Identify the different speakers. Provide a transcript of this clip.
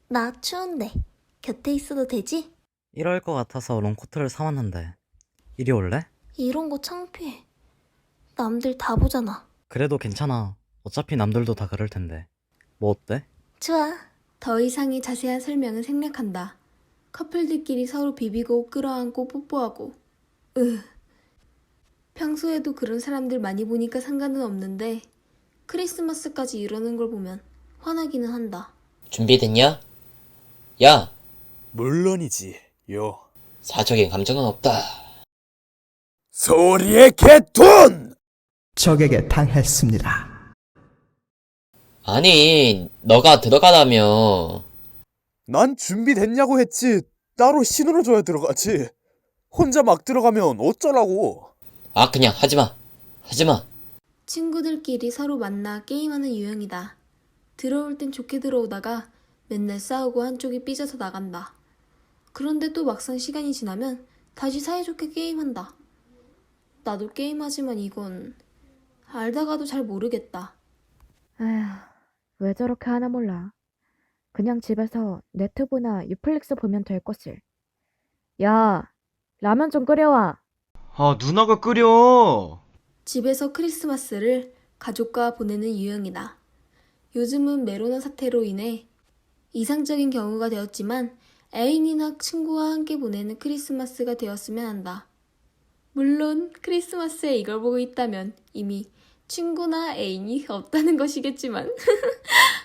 Speaker 1: 나 추운데 곁에 있어도 되지?
Speaker 2: 이럴 것 같아서 롱코트를 사왔는데 이리 올래?
Speaker 1: 이런 거 창피해. 남들 다 보잖아.
Speaker 2: 그래도 괜찮아. 어차피 남들도 다 그럴 텐데. 뭐 어때?
Speaker 1: 좋아. 더 이상의 자세한 설명은 생략한다. 커플들끼리 서로 비비고 끌어안고 뽀뽀하고. 평소에도 그런 사람들 많이 보니까 상관은 없는데 크리스마스까지 이러는 걸 보면 화나기는 한다.
Speaker 3: 준비됐냐? 야,
Speaker 4: 물론이지, 요.
Speaker 3: 사적인 감정은 없다.
Speaker 4: 소리의 개톤!
Speaker 5: 적에게 당했습니다.
Speaker 3: 아니, 너가 들어가라며.
Speaker 4: 난 준비됐냐고 했지. 따로 신호를 줘야 들어가지. 혼자 막 들어가면 어쩌라고.
Speaker 3: 아, 그냥 하지마. 하지마.
Speaker 1: 친구들끼리 서로 만나 게임하는 유형이다. 들어올 땐 좋게 들어오다가 맨날 싸우고 한쪽이 삐져서 나간다. 그런데 또 막상 시간이 지나면 다시 사이좋게 게임한다. 나도 게임하지만 이건 알다가도 잘 모르겠다.
Speaker 6: 에휴, 왜 저렇게 하나 몰라. 그냥 집에서 네트보나 유플릭스 보면 될 것을. 야, 라면 좀 끓여와.
Speaker 7: 아, 누나가 끓여.
Speaker 1: 집에서 크리스마스를 가족과 보내는 유형이다. 요즘은 메로나 사태로 인해 이상적인 경우가 되었지만 애인이나 친구와 함께 보내는 크리스마스가 되었으면 한다. 물론 크리스마스에 이걸 보고 있다면 이미 친구나 애인이 없다는 것이겠지만